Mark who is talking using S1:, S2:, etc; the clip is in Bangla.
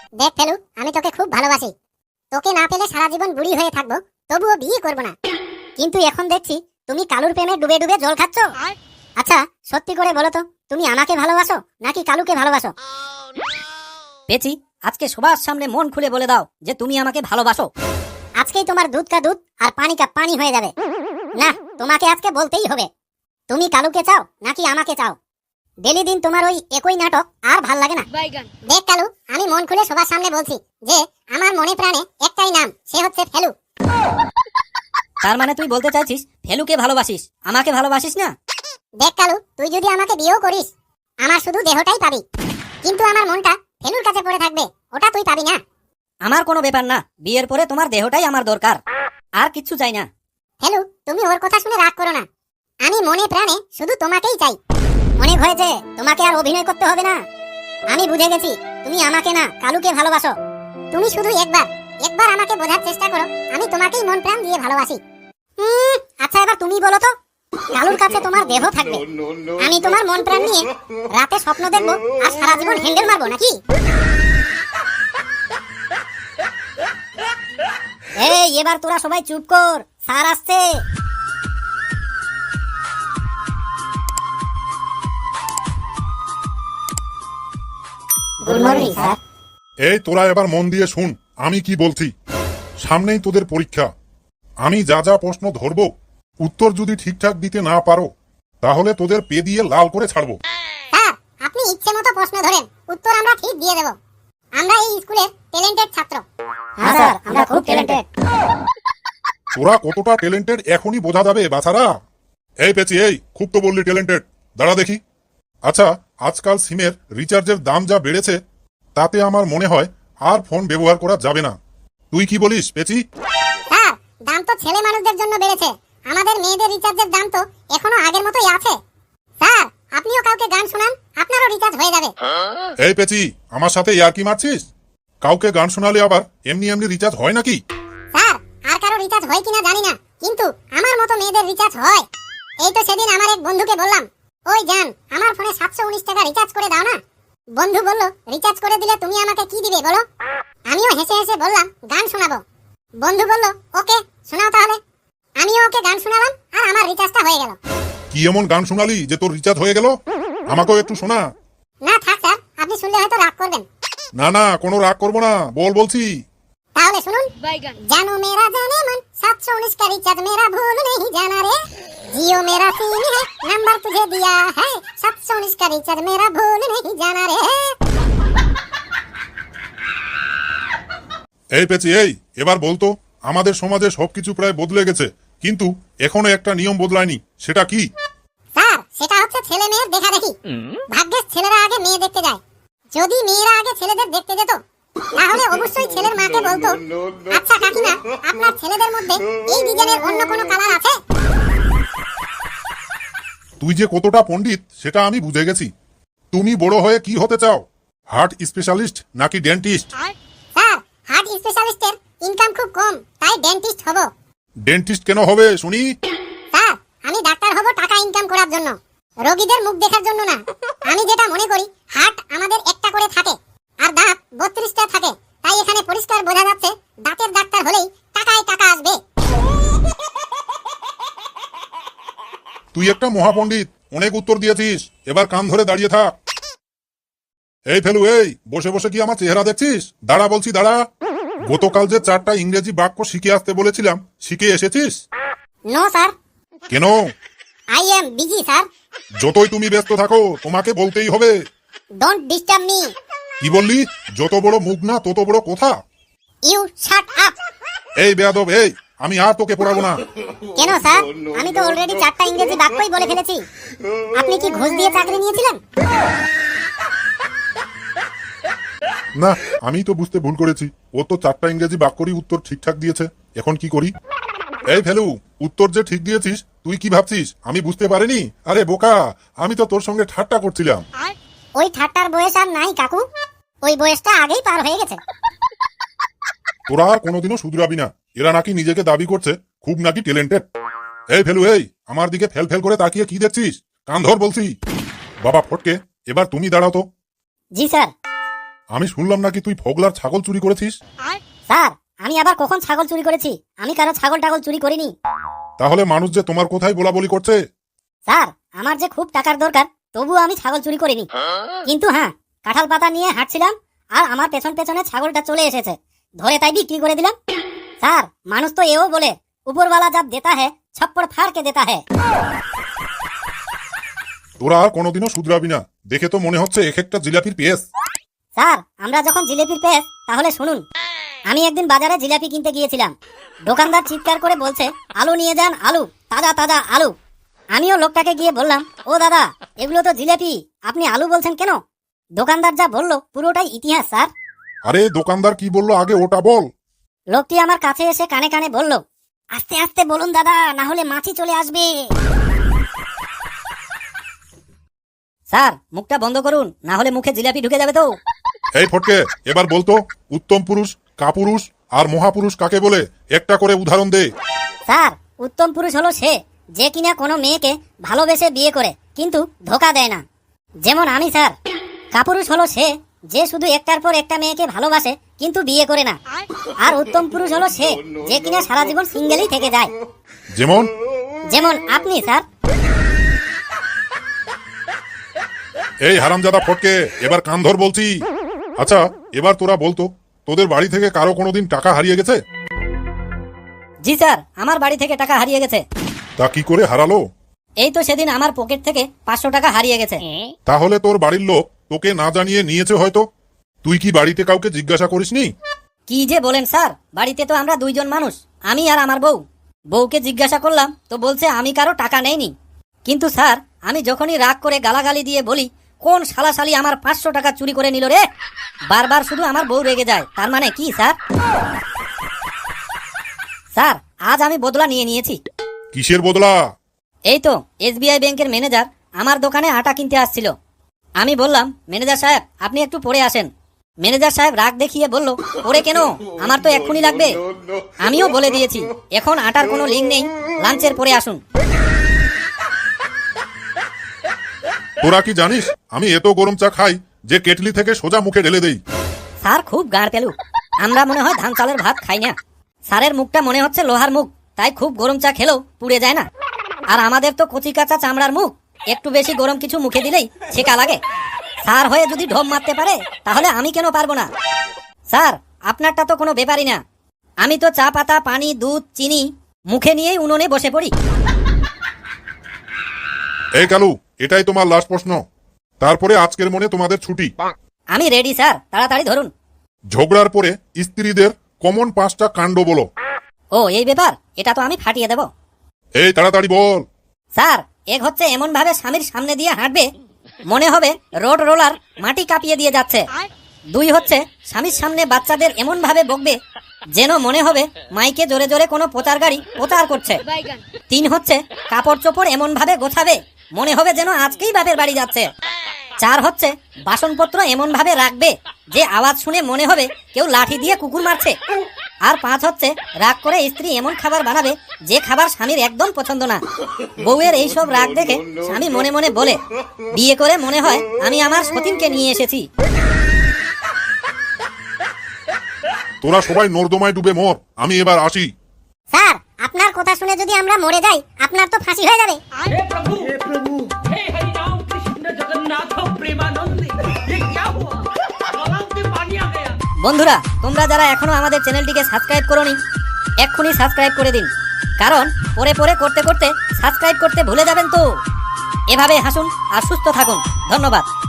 S1: দেখ ফেলু, আমি তোকে খুব ভালোবাসি। তোকে না পেলে সারা জীবন বুড়ি হয়ে থাকবো, তবুও বিয়ে করব না। কিন্তু এখন দেখছি তুমি কালুর প্রেমে ডুবে ডুবে জল খাচ্ছ। আচ্ছা সত্যি করে বলো তো, তুমি আমাকে ভালোবাসো নাকি কালুকে ভালোবাসো?
S2: পেছি, আজকে সবার সামনে মন খুলে বলে দাও যে তুমি আমাকে ভালোবাসো।
S1: আজকেই তোমার দুধ কা দুধ আর পানি কা পানি হয়ে যাবে। না, তোমাকে আজকে বলতেই হবে। তুমি কালুকে চাও নাকি আমাকে চাও? ডেলি দিন তোমার ওই একই নাটক আর ভাল লাগে না। দেখ কালু, আমি মন খুলে সবার সামনে বলছি যে আমার মনে প্রাণে একটাই নাম, সে হচ্ছে ফেলু।
S2: তার মানে তুই বলতে চাইছিস ফেলুকে ভালোবাসিস, আমাকে ভালোবাসিস না?
S1: দেখ কালু, তুই যদি আমাকে বিয়েও করিস, আমার শুধু দেহটাই পাবি, কিন্তু আমার মনটা ফেলুর কাছে পড়ে থাকবে, ওটা তুই পাবি না।
S2: আমার কোনো ব্যাপার না, বিয়ের পরে তোমার দেহটাই আমার দরকার, আর কিচ্ছু চাই না।
S1: ফেলু, তুমি ওর কথা শুনে রাগ করো না। আমি মনে প্রাণে শুধু তোমাকেই চাই। অনেক হয়েছে, তোমাকে আর অভিনয় করতে হবে না। আমি বুঝে গেছি তুমি আমাকে না কালুকে ভালোবাসো। তুমি শুধু একবার একবার আমাকে বোঝার চেষ্টা করো, আমি তোমাকেই মন প্রাণ দিয়ে ভালোবাসি। আচ্ছা এবার তুমি বলো তো, কালুর কাছে তোমার দেহ থাকবে, আমি তোমার মন প্রাণ নিয়ে রাতে স্বপ্ন দেখবো আর সারা জীবন হ্যান্ডেল মারবো নাকি?
S2: এই এবার তোরা সবাই চুপ কর, স্যার আসছে।
S1: Good morning sir.
S3: এই তোরা এবার মন দিয়ে শুন আমি কি বলছি। সামনেই তোদের পরীক্ষা। আমি যা যা প্রশ্ন ধরবো, উত্তর যদি ঠিকঠাক দিতে না পারো তাহলে তোদের পে দিয়ে লাল করে ছাড়বো।
S1: স্যার, আপনি ইচ্ছে মতো প্রশ্ন ধরেন, উত্তর আমরা ঠিক দিয়ে দেব। আমরা এই স্কুলের ট্যালেন্টেড ছাত্র।
S2: হ্যাঁ স্যার, আমরা খুব ট্যালেন্টেড।
S3: তোরা কতটা ট্যালেন্টেড এখনই বোঝা যাবে বাছারা। এই পেছি, এই খুব তো বললি ট্যালেন্টেড, দাঁড়া দেখি। আচ্ছা, আজকাল সিমের রিচার্জের দাম যা বেড়েছে তাতে আমার মনে হয় আর ফোন ব্যবহার করা যাবে না। তুই কি বলিস পেছি?
S1: স্যার, দাম তো ছেলে মানুষদের জন্য বেড়েছে, আমাদের মেয়েদের রিচার্জের দাম তো এখনো আগের মতোই আছে। স্যার, আপনিও কাউকে গান শোনান, আপনারও রিচার্জ হয়ে যাবে।
S3: এই পেছি, আমার সাথে ইয়ার্কি মারছিস? কাউকে গান শোনালে আবার এমনি এমনি রিচার্জ হয় নাকি?
S1: স্যার, আর কারো রিচার্জ হয় কিনা জানি না, কিন্তু আমার মতো মেয়েদের রিচার্জ হয়। এই তো সেদিন আমার এক বন্ধুকে বললাম, ওই জান, আমার ফোনে 719 টাকা রিচার্জ করে দাও না। বন্ধু বলল, রিচার্জ করে দিলে তুমি আমাকে কি দিবে বলো? আমিও হেসে হেসে বললাম, গান শোনাবো। বন্ধু বলল, ওকে শোনাও তাহলে। আমিও ওকে গান শোনালাম আর আমার রিচার্জটা হয়ে গেল।
S3: কি এমন গান শোনালি যে তোর রিচার্জ হয়ে গেল? আমাকেও একটু শোনা।
S1: না থাক স্যার, আপনি শুনলে হয়তো রাগ করবেন।
S3: না না, কোনো রাগ করবো না, বলছি।
S1: তাহলে শুনুন। জানো মেরা জানে মন, 719 का रिचार्ज मेरा भूल नहीं जाना रे। जियो मेरा सिम है, नंबर तुझे दिया है, 719 का रिचार्ज मेरा भूल नहीं जाना रे।
S3: এই পেছি, এই এবার বলতো, আমাদের সমাজে সবকিছু প্রায় বদলে গেছে, কিন্তু এখনো একটা নিয়ম বদলায়নি, সেটা কি?
S1: স্যার, সেটা হচ্ছে ছেলে মেয়ের দেখা দেখি। ভাগ্যের ছেলেরা আগে মেয়ে দেখতে যায়। যদি মেয়েরা আগে ছেলেদের দেখতে যেত, তাহলে অবশ্যই ছেলের মাকে বলতো, আচ্ছা কাকিমা, আপনার ছেলেদের মধ্যে এই ডিজাইনের অন্য কোনো কালার আছে?
S3: তুই যে কতটা পণ্ডিত সেটা আমি বুঝে গেছি। তুমি বড় হয়ে কি হতে চাও, হার্ট স্পেশালিস্ট নাকি ডেন্টিস্ট?
S1: স্যার, হার্ট স্পেশালিস্টের ইনকাম খুব কম, তাই ডেন্টিস্ট হব।
S3: ডেন্টিস্ট কেন হবে শুনি?
S1: স্যার, আমি ডাক্তার হব টাকা ইনকাম করার জন্য, রোগীদের মুখ দেখার জন্য না। আমি যেটা মনে করি, হার্ট আমাদের একটা করে থাকে আর দাঁত 32টা থাকে, তাই এখানে পরিষ্কার বোঝা যাচ্ছে দাঁতের ডাক্তার হলেই টাকায় টাকা আসবে।
S3: তুই একটা মহাপণ্ডিত, অনেক উত্তর দিয়েছিস, এবার কান ধরে দাঁড়িয়ে থাক। এই ফেলু, এই বসে বসে কি আমার চেহারা দেখছিস? দাঁড়া বলছি, দাঁড়া। গতকাল যে 4টা ইংরেজি বাক্য শিখে আসতে বলেছিলাম, শিখে এসেছিস?
S1: No sir.
S3: কেন?
S1: I am busy sir.
S3: যতই তুমি ব্যস্ত থাকো তোমাকে বলতেই হবে।
S1: Don't disturb me.
S3: কি বললি? যত বড় মুখ না তত বড় কথা।
S1: You shut up.
S3: এই বেয়াদব, এই আমি আর তোকে পড়াবো না।
S1: কেন স্যার? আমি তো অলরেডি 4টা ইংরেজি বাক্যই বলে ফেলেছি। আপনি কি ঘুষ দিয়ে চাকরি নিয়েছিলেন?
S3: না, আমি তো বুঝতে ভুল করেছি। ও তো 4টা ইংরেজি বাক্যরই উত্তর ঠিকঠাক দিয়েছে, এখন কি করি? এই ফেলু, উত্তর যে ঠিক দিয়েছিস তুই কি ভাবছিস আমি বুঝতে পারিনি? আরে বোকা, আমি তো তোর সঙ্গে ঠাট্টা করছিলাম।
S1: ওই ঠাট্টার বয়স আর নাই কাকু, ওই বয়সটা আগেই পার হয়ে গেছে।
S3: তোরা আর কোনোদিনও শুধরাবি না। এরা নাকি নিজেকে দাবি করছে খুব নাকি ট্যালেন্টেড। এই ফেলু, এই আমার দিকে ফেল ফেল করে তাকিয়ে কি দেখছিস? কান ধর বলছি। বাবা ফটকে, এবার তুমি দাঁড়াও তো।
S2: জি স্যার।
S3: আমি শুনলাম নাকি তুই ফগলার ছাগল চুরি করেছিস।
S1: স্যার আমি আবার কখন ছাগল চুরি করেছি? আমি কারো ছাগল টাগল চুরি করিনি।
S3: তাহলে মানুষ যে তোমার কোথায় বলাবলি করছে।
S1: স্যার আমার যে খুব টাকার দরকার, তবুও আমি ছাগল চুরি করিনি। কিন্তু হ্যাঁ, কাঁঠাল পাতা নিয়ে হাঁটছিলাম আর আমার পেছন পেছনে ছাগলটা চলে এসেছে, ধরে তাই বিক্রি করে দিলাম। স্যার মানুষ তো এও বলে, উপরওয়ালা জব দেতা হ্যায় ছপ্পড় ফাড় কে দেতা হ্যায়।
S3: তোরা আর কোনোদিনও শুধরাবি না, দেখে তো মনে হচ্ছে এক একটা জিলাপির পেস।
S1: স্যার আমরা যখন জিলেপির পেস, তাহলে শুনুন। আমি একদিন বাজারে জিলাপি কিনতে গিয়েছিলাম। দোকানদার চিৎকার করে বলছে, আলু নিয়ে যান, আলু, তাজা তাজা আলু। আমিও লোকটাকে গিয়ে বললাম, ও দাদা এগুলো তো জিলাপি, আপনি আলু বলছেন কেন? দোকানদার যা বলল পুরোটাই ইতিহাস স্যার।
S3: আরে দোকানদার কি বললো আগে ওটা বল।
S1: লোকটি আমার কাছে এসে কানে কানে বলল, আস্তে আস্তে বলুন দাদা, না হলে মাছি চলে আসবে।
S2: স্যার মুখটা বন্ধ করুন, না হলে মুখে জিলাপি ঢুকে যাবে তো।
S3: এই ফটকে এবার বলতো, উত্তম পুরুষ, কাপুরুষ আর মহাপুরুষ কাকে বলে? একটা করে উদাহরণ দে।
S1: স্যার উত্তম পুরুষ হলো সে, যে কিনা কোনো মেয়েকে ভালোবেসে বিয়ে করে কিন্তু ধোকা দেয় না, যেমন আমি স্যার। কাপুরুষ হলো সে, যে শুধু একটার পর একটা মেয়েকে ভালোবাসে কিন্তু বিয়ে করে না। আর উত্তম পুরুষ হলো সে, যে কিনা সারা জীবন সিঙ্গেলই থেকে যায়,
S3: যেমন
S1: যেমন আপনি স্যার।
S3: এই হারামজাদা ফটকে, এবার কান ধর বলছি। আচ্ছা এবার তোরা বলতো, তোদের বাড়ি থেকে কারো কোনোদিন টাকা হারিয়ে গেছে?
S2: জি স্যার, আমার বাড়ি থেকে টাকা হারিয়ে গেছে।
S3: তা কি করে হারালো?
S2: এই তো সেদিন আমার পকেট থেকে 500 টাকা হারিয়ে গেছে।
S3: তাহলে তোর বাড়ির লোক তোকে না জানিয়ে নিয়েছে হয়তো। তুই কি বাড়িতে কাউকে জিজ্ঞাসা করিসনি?
S2: কি যে বলেন স্যার, বাড়িতে তো আমরা দুইজন মানুষ, আমি আর আমার বউ। বউকে জিজ্ঞাসা করলাম তো বলছে আমি কারো টাকা নেইনি। কিন্তু স্যার আমি যখনই রাগ করে গালাগালি দিয়ে বলি, কোন শালাশালি আমার 500 টাকা চুরি করে নিল রে, বারবার শুধু আমার বউ রেগে যায়। তার মানে কি স্যার? স্যার আজ আমি বদলা নিয়ে নিয়েছি।
S3: কিসের বদলা?
S2: এই তো এসবিআই ব্যাংকের ম্যানেজার আমার দোকানে আটা কিনতে আসছিল। আমি বললাম, ম্যানেজার সাহেব আপনি একটু পড়ে আসেন। ম্যানেজার সাহেব রাগ দেখিয়ে বলল, পড়ে কেন, আমার তো এক্ষুনি লাগবে। আমিও বলে দিয়েছি এখন আটার কোনো লিঙ্ক নেই, লাঞ্চের পরে আসুন।
S3: তোরা কি জানিস আমি এত গরম চা খাই যে কেটলি থেকে সোজা মুখে ঢেলে দেই।
S2: স্যার খুব গাঁড় পেলু, আমরা মনে হয় ধান চালের ভাত খাই না। স্যারের মুখটা মনে হচ্ছে লোহার মুখ, তাই খুব গরম চা খেলেও পুড়ে যায় না। আর আমাদের তো কচি কাঁচা চামড়ার মুখ, একটু বেশি গরম কিছু মুখে দিলেই ছেকা লাগে। স্যার হয়ে যদি ঢোম মারতে পারে, তাহলে আমি কেন পারবো না? স্যার আপনারটা তো কোনো ব্যাপারই না, আমি তো চা পাতা, পানি, দুধ, চিনি মুখে নিয়েই উনুনে বসে পড়ি।
S3: এই কালু, এটাই তোমার লাস্ট প্রশ্ন, তারপরে আজকের মনে তোমাদের ছুটি।
S2: আমি রেডি স্যার, তাড়াতাড়ি ধরুন।
S3: ঝগড়ার পরে স্ত্রীদের কমন 5টা কাণ্ড বলো।
S2: ও এই ব্যাপার, এটা তো আমি ফাটিয়ে দেব।
S3: এই তাড়াতাড়ি বল।
S2: স্যার এক হচ্ছে এমন ভাবে স্বামীর সামনে দিয়ে হাঁটবে মনে হবে রোড রোলার মাটি কাঁপিয়ে দিয়ে যাচ্ছে। 2 হচ্ছে স্বামীর সামনে বাচ্চাদের এমন ভাবে বকবে যেন মনে হবে মাইকে জোরে জোরে কোনো প্রচার গাড়ি প্রচার করছে। 3 হচ্ছে কাপড় চোপড় এমন ভাবে গোছাবে মনে হবে যেন আজকেই বাপের বাড়ি যাচ্ছে। 4 হচ্ছে বাসনপত্র এমন ভাবে রাখবে যে আওয়াজ শুনে মনে হবে কেউ লাঠি দিয়ে কুকুর মারছে। আর 5 হচ্ছে রাগ করে স্ত্রী এমন খাবার বানাবে যে খাবার স্বামীর একদম পছন্দ না। বউয়ের এইসব রাগ দেখে স্বামী মনে মনে বলে, বিয়ে করে মনে হয় আমি আমার সতীনকে নিয়ে এসেছি।
S3: তোরা সবাই নর্দমায় ডুবে মর, আমি এবার আসি।
S1: স্যার আপনার কথা শুনে যদি আমরা মরে যাই, আপনার তো ফাঁসি হয়ে যাবে।
S4: हे प्रभु हे हरि राम कृष्ण जगन्नाथ प्रेमानंद ये क्या हुआ गला में पानी आ गया।
S2: বন্ধুরা তোমরা যারা এখনো আমাদের চ্যানেলটিকে সাবস্ক্রাইব করোনি, এক্ষুনি সাবস্ক্রাইব করে দিন, কারণ পরে পরে করতে করতে সাবস্ক্রাইব করতে ভুলে যাবেন তো। এভাবে হাসুন আর সুস্থ থাকুন। ধন্যবাদ।